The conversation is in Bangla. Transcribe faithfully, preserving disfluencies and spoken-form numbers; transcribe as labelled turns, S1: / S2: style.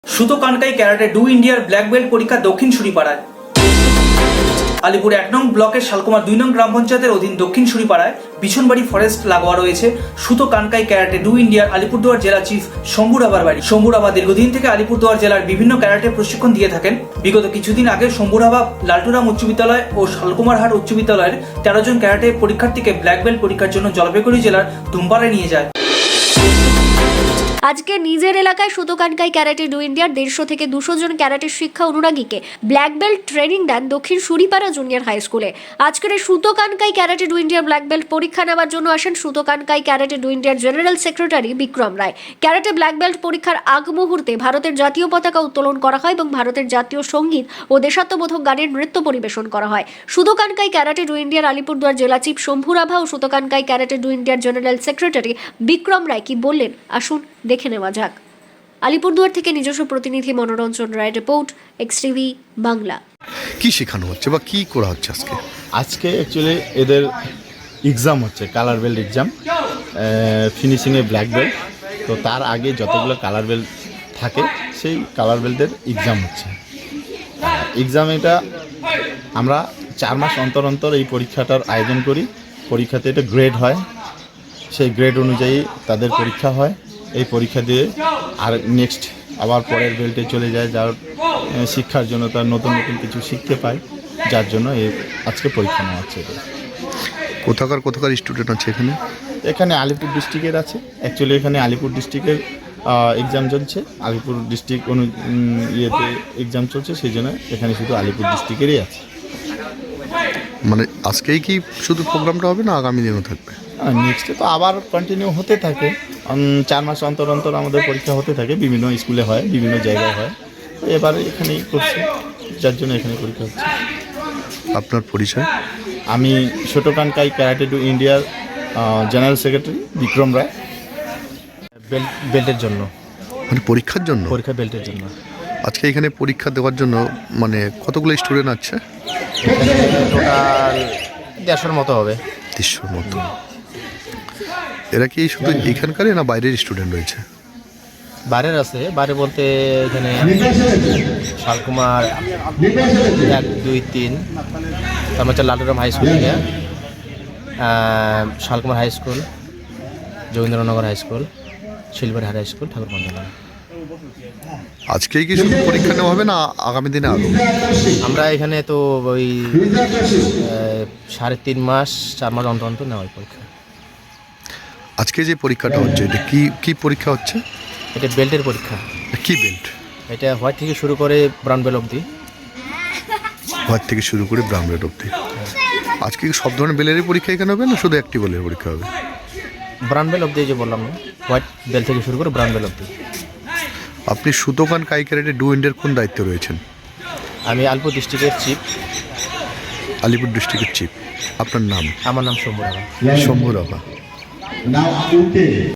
S1: সুতো কানকাই ক্যারাটে ডু ইন্ডিয়ার ব্ল্যাক বেল্ট পরীক্ষা দক্ষিণ সুরিপাড়ায়। আলিপুর এক নং ব্লকের শালকুমার দুই নং গ্রাম পঞ্চায়েতের অধীন দক্ষিণ সুরিপাড়ায় বিছনবাড়ি ফরেস্ট লাগোয়া রয়েছে সুতো কানকাই ক্যারাটে ডু ইন্ডিয়ার আলিপুরদুয়ার জেলা চিফ শম্ভু রাভার বাড়ি। শম্ভু রাভা দীর্ঘদিন থেকে আলিপুরদুয়ার জেলার বিভিন্ন ক্যারাটে প্রশিক্ষণ দিয়ে থাকেন। বিগত কিছুদিন আগে শম্ভু রাভা লালটুরাম উচ্চ বিদ্যালয় ও শালকুমারহাট উচ্চ বিদ্যালয়ের তেরো জন ক্যারাটে পরীক্ষার্থীকে ব্ল্যাক বেল্ট পরীক্ষার জন্য জলপাইগুড়ি জেলার ধুমপাড়ায় নিয়ে যায়।
S2: আজকে নিজের এলাকায় সুতো কানকাই ক্যারাটে ডু ইন্ডিয়ার দেড়শো থেকে দুশো জন ক্যারাটে শিক্ষা অনুরাগীকে ব্ল্যাক বেল্ট ট্রেনিং দেন দক্ষিণ সুরিপাড়া জুনিয়র হাই স্কুলে। আজকের এই সুতো কানকাই ক্যারাটে ডু ইন্ডিয়ার ব্ল্যাক বেল্ট পরীক্ষা নেওয়ার জন্য আসেন সুতো কানকাই ক্যারাটে ডু ইন্ডিয়ার general secretary Bikram Roy. Karate black belt পরীক্ষার আগ মুহূর্তে ভারতের জাতীয় পতাকা উত্তোলন করা হয় এবং ভারতের জাতীয় সঙ্গীত ও দেশাত্মবোধক গানের নৃত্য পরিবেশন করা হয়। সুতো কানকাই ক্যারাটে ডু ইন্ডিয়ার আলিপুরদুয়ার জেলা চিফ শম্ভু রাভা ও সুতো কানকাই ক্যারাটে ডু ইন্ডিয়ার জেনারেল সেক্রেটারি বিক্রম রায় কি বললেন আসুন দেখে নেওয়া যাক। আলিপুরদুয়ার থেকে নিজস্ব প্রতিনিধি Monoranjan Roy, report X TV Bangla.
S3: কি শেখানো হচ্ছে বা কি করা হচ্ছে আজকে?
S4: আজকে অ্যাকচুয়ালি এদের এক্সাম হচ্ছে, কালার বেল্ট এক্সাম, ফিনিশিংয়ে ব্ল্যাক বেল্ট। তো তার আগে যতগুলো কালার বেল্ট থাকে সেই কালার বেল্টের এক্সাম হচ্ছে। এক্সাম এটা আমরা চার মাস অন্তর অন্তর এই পরীক্ষাটার আয়োজন করি। পরীক্ষাতে এটা গ্রেড হয়, সেই গ্রেড অনুযায়ী তাদের পরীক্ষা হয়। এই পরীক্ষা দিয়ে আর নেক্সট আবার পরের বেল্টে চলে যায়, যার শিক্ষার জন্য তার নতুন নতুন কিছু শিখতে পায়, যার জন্য এই আজকে পরীক্ষা নেওয়া হচ্ছে।
S3: কোথাকার কোথাকার স্টুডেন্ট আছে এখানে?
S4: এখানে আলিপুর ডিস্ট্রিক্টের আছে, অ্যাকচুয়ালি এখানে আলিপুর ডিস্ট্রিক্টের এক্সাম চলছে, আলিপুর ডিস্ট্রিক্ট অনু ইয়েতে এক্সাম চলছে, সেই জন্য এখানে শুধু আলিপুর ডিস্ট্রিক্টেরই আছে।
S3: মানে আজকেই কি শুধু প্রোগ্রামটা হবে না আগামী দিনও থাকবে?
S4: নেক্সটে তো আবার কন্টিনিউ হতে থাকে, চার মাস অন্তর অন্তর আমাদের পরীক্ষা হতে থাকে, বিভিন্ন স্কুলে হয়, বিভিন্ন জায়গায় হয়। এবার এখানেই করছি, যার জন্য এখানে পরীক্ষা হচ্ছে।
S3: আপনার পরিচয়?
S4: আমি সুতো কানকাই ক্যারাটে ডু ইন্ডিয়ার general secretary Bikram Roy. Belt বেল্টের জন্য,
S3: মানে পরীক্ষার জন্য?
S4: পরীক্ষা বেল্টের জন্য।
S3: আজকে এখানে পরীক্ষা দেওয়ার জন্য মানে কতগুলো স্টুডেন্ট আছে?
S4: টোটাল দেড়শোর মতো হবে।
S3: দেড়শোর মতো। এরা কি শুধু এখানকারই না বাইরের স্টুডেন্ট রয়েছে?
S4: বাইরের আছে, বাইরে বলতে এখানে শালকুমার এক দুই তিন, তারপর হচ্ছে লালটুরাম হাই স্কুল থেকে, Shalkumar high school, Jogendranagar high school, Shilbari high school, Thakurganj.
S3: আজকেই কি শুধু পরীক্ষা নেওয়া হবে না আগামী দিনে আরও?
S4: আমরা এখানে তো ওই সাড়ে তিন মাস চার মাস অন্তর অন্তর নেওয়া হয় পরীক্ষা।
S3: আজকে যে পরীক্ষাটা হচ্ছে এটা কি কি পরীক্ষা হচ্ছে?
S4: এটা বেল্টের পরীক্ষা।
S3: কি বেল্ট?
S4: এটা হোয়াইট থেকে শুরু করে ব্রাউন বেল্ট অবধি।
S3: হোয়াইট থেকে শুরু করে ব্রাউন বেল্ট অবধি। আজকে কি সব ধরনের বেলেরই পরীক্ষা এখানে হবে না শুধু একটি বেলের পরীক্ষা হবে?
S4: ব্রাউন বেল্ট অবধি যে বললাম না, হোয়াইট বেল্ট থেকে শুরু করে ব্রাউন বেল্ট অবধি।
S3: আপনি সুতো কানকাই ক্যারাটে ডু ইন্ডিয়ার কোন দায়িত্বে রয়েছেন?
S4: আমি আলিপুর ডিস্ট্রিক্টের চিফ।
S3: আলিপুর ডিস্ট্রিক্টের চিফ। আপনার নাম?
S4: আমার নাম শম্ভু রাভা।
S3: শম্ভু রাভা।